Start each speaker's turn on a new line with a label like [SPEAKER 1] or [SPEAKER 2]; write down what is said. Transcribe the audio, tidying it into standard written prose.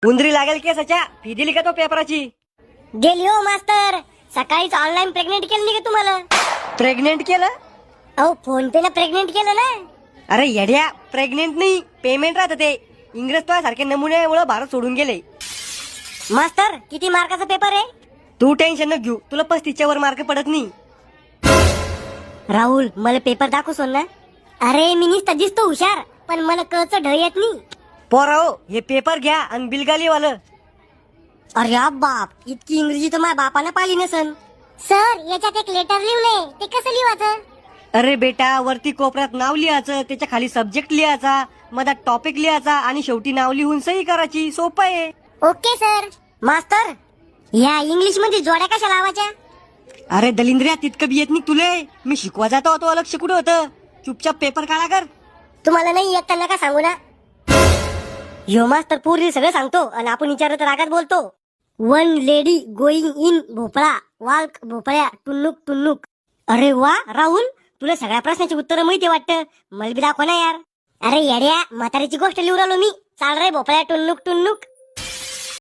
[SPEAKER 1] उंदरी लागेल केसाच्या फी दिली का तो पेपराची?
[SPEAKER 2] दिली हो मास्तर. सकाळीच ऑनलाईन प्रेग्नेंट केलं नाही का तुम्हाला?
[SPEAKER 1] प्रेग्नेंट केलं?
[SPEAKER 2] अहो फोन पे ला प्रेग्नेंट केलं ना.
[SPEAKER 1] अरे येड्या, प्रेग्नेंट नाही पेमेंट राहतं ते. इंग्रज तो सारखे नमुन्यामुळे भारत सोडून गेले.
[SPEAKER 2] मास्तर किती मार्काचा पेपर आहे?
[SPEAKER 1] तू टेन्शन न घेऊ, तुला 35च्या वर मार्क पडत नाही.
[SPEAKER 2] राहुल मला पेपर दाखव सोन ना. अरे मी नुसता दिसतो हुशार, पण मला कळचं ढ येत नाही.
[SPEAKER 1] पोरा हो, हे पेपर घ्या आणि बिलगाली वालं.
[SPEAKER 2] अरे बाप, इतकी इंग्रजी तर माझ्या बापानं पाहिली नसन. सर याच्यात एक लेटर लिहलंय, ते कसं लिहायचं?
[SPEAKER 1] अरे बेटा, वरती कोपऱ्यात नाव लिहायचं, त्याच्या खाली सब्जेक्ट लिहायचा, मधात टॉपिक लिहायचा आणि शेवटी नाव लिहून सही करायची. सोपं आहे.
[SPEAKER 2] Okay sir. मास्तर या इंग्लिश मध्ये जोड्या कशा लावायच्या?
[SPEAKER 1] अरे दलिंद्रिया, तितकं बी येत नाही तुले. मी शिकवा जातो होतो, लक्ष कुठं होतं? चुपचाप पेपर काढा कर.
[SPEAKER 2] तुम्हाला नाही येत तर नका सांगू ना. यो मास्तर पूर्वी सगळं सांगतो आणि आपण विचारत रागात बोलतो. वन लेडी गोईंग इन भोपळा वाल्क भोपळ्या टुन्नुक टुन्नुक. अरे वा राहुल, तुला सगळ्या प्रश्नाची उत्तरं माहिती वाटतं. मला बी दाखव ना यार. अरे येड्या, म्हातारीची गोष्ट लिहू राहिलो मी. चाल रे भोपळ्या टुन्नुक टुन्नुक.